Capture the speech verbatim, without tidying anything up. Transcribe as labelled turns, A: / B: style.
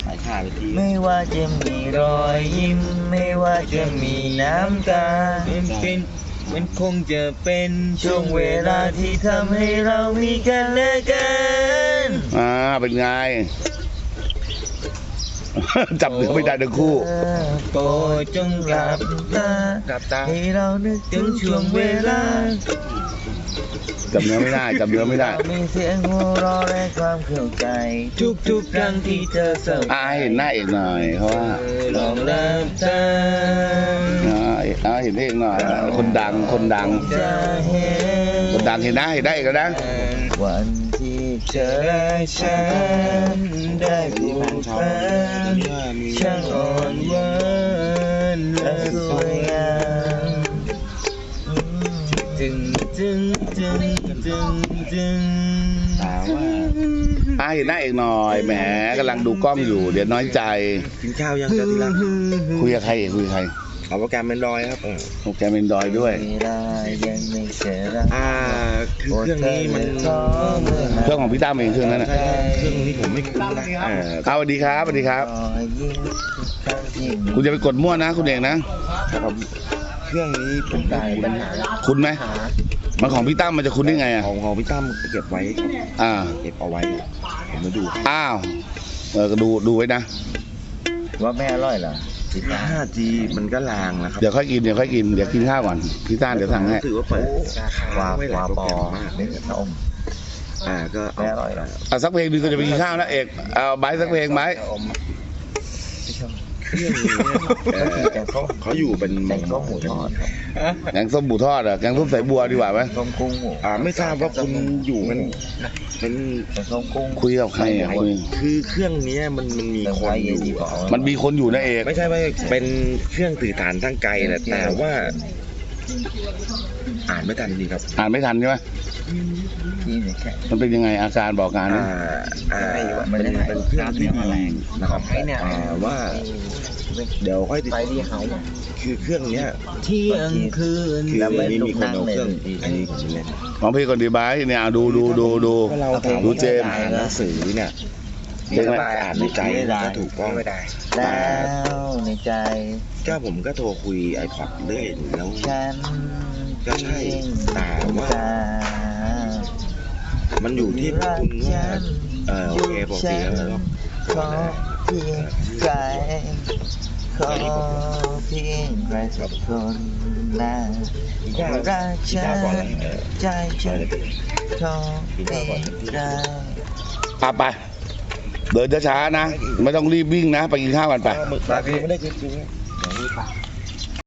A: ายขาไปที
B: ไม่ว่าจะมีรอยยิ้มไม่ว่าจะมีน้ำตามันเป็นมันคงจะเป็นช่วงเวลาที่ทำให้เรามีกันและกัน
C: อ่าเป็นไง จับเนื้อไม่ได้ทั้งคู่
B: โปรดจงหลับตาหลับตาให้เรานึกถึงช่วงเวลา
C: จับเนื้อไม่ได้จับเนื้อไม่ได้
B: มีเสียงหัวเราะและความเข้าใจทุกๆครั้งที่เธอเศร้า
C: อ่าเห็นหน้าเอกหน่อยเพราะว่า
B: ลองหลับตา
C: อ่าเห็นเอกหน่อยคนดังคนดังคนดังเห็นหน้าเห็นได้เอกแล้วนะ
B: วันที่เธอและฉันได้ผูกพันช่างอ่อนหวานและสวยงามจึงจึงจึงจึงจึง
A: ถามว่า
C: อ่าเห็นหน้าเอกหน่อยแหมกำลังดูกล้องอยู่เดี๋ยวน้อยใจ
A: กินข้าวยังจะทีละ
C: คุยกับใครเอกคุยกับใคร
A: เอาโปรแกรมเป็นรอยครับ
C: โปรแกรมเป็นรอยด้วย
A: อ่าคือเครื่องนี้มัน
C: เครื่องของพี่ตั้มเองเครื่องนั้นนะ
A: เครื่องนี้ผมไม่คุ้นนะ
C: อ่าสวัสดีครับสวัสดีครับคุณจะไปกดมั่วนะคุณเอกนะครับ
A: เครื่องนี้ผมได้ปัญหา
C: คุณไหมมันของพี่ตั้มมันจะคุณได้ไงอ่ะ
A: ของของพี่ตั้มเก็บไว้
C: อ่า
A: เก็บเอาไว้ผมมาดู
C: อ้าวเออก็ดูดูไว้นะ
B: ว่าไม่อร่อยเหรอ
A: ห้าจีมันก็ลางแล้วครับ
C: เดี๋ยวค่อยกินเดี๋ยวค่อยกินเดี๋ยวกินข้าวก่อนพี่ต้านเดี๋ยวสั่งให้
A: ถือว่าเปิด
B: วาปวาปอเนี่ยพระองค์
A: อ่าก็
B: ไม่อร่อยหรอ
C: อ่ะสักเพลงนึงก็จะไปกินข้าวนะเอกเอาใบสักเพลงไหม
A: เครื่องนี้เขาอยู่เป็น
B: แกงส้มหมูทอด
C: แกงส้มหมูทอดอ่ะแกงส้มใส่บัวดีกว่าไหม
B: ส้มกุ้งหมู
A: อ่าไม่ทราบว่าคุณอยู่มันเป็น
B: แกงส้มกุ้ง
C: คุยกับใครอ่ะคุย
A: คือเครื่องนี้มันมันมีคนอยู่
C: มันมีคนอยู่นะเอก
A: ไม่ใช่ว่าเป็นเครื่องสื่อสารทางไกลแหละแต่ว่าอ่านไม่ทันจริงครับ
C: อ่านไม่ทันใช่ไหมมันเป็นยังไงอาการบอกการ
A: นะอ่ามันเป็นเครื่องที่ดีนะครับอ่าว่าเดี๋ยวค่อยติดคือเครื่องเนี้ย
B: เที่ยงคืน
A: คือไม่มีคนเอาเครื่องอันนี้ของเล่น
C: ลองเพลงก่อนดีบายเนี่ยดูดูดูดูดูเจม
A: หนังสือเนี่ยเพลงอะไรอ่านในใจก็ถูกต้องไม่ได้
B: แล้วในใจ
A: ก็ผมก็โทรคุยไอพอดเรื่อยแล้วก็ใช่แต่ว่ามันอยู่ที่คุณว่าเออโอเคปกติแล้ว
B: ขอเพียงใจขอเพียงใครสักคนนะรักฉันใจฉันขอเพียงใจ
C: อ่ะไปเดินช้าๆนะไม่ต้องรีบวิ่งนะไปกินข้าวกันไป
A: ไม่ได้จริงๆ